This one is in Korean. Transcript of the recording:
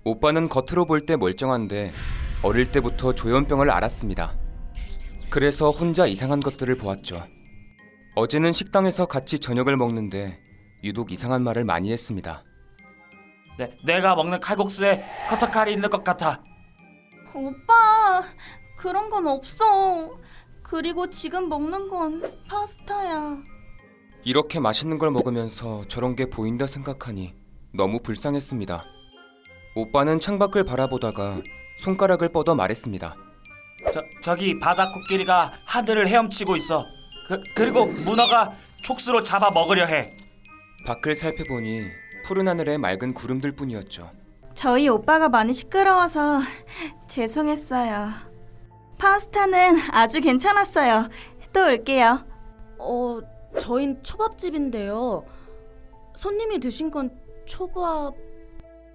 오빠는 겉으로 볼 때 멀쩡한데 어릴 때부터 조현병을 앓았습니다. 그래서 혼자 이상한 것들을 보았죠. 어제는 식당에서 같이 저녁을 먹는데 유독 이상한 말을 많이 했습니다. 내가 먹는 칼국수에 커터칼이 있는 것 같아. 오빠, 그런 건 없어. 그리고 지금 먹는 건 파스타야. 이렇게 맛있는 걸 먹으면서 저런 게 보인다 생각하니 너무 불쌍했습니다. 오빠는 창밖을 바라보다가 손가락을 뻗어 말했습니다. 저기 바다 코끼리가 하늘을 헤엄치고 있어. 그리고 문어가 촉수로 잡아 먹으려 해. 밖을 살펴보니 푸른 하늘에 맑은 구름들 뿐이었죠. 저희 오빠가 많이 시끄러워서 죄송했어요. 파스타는 아주 괜찮았어요. 또 올게요. 저흰 초밥집인데요. 손님이 드신 건 초밥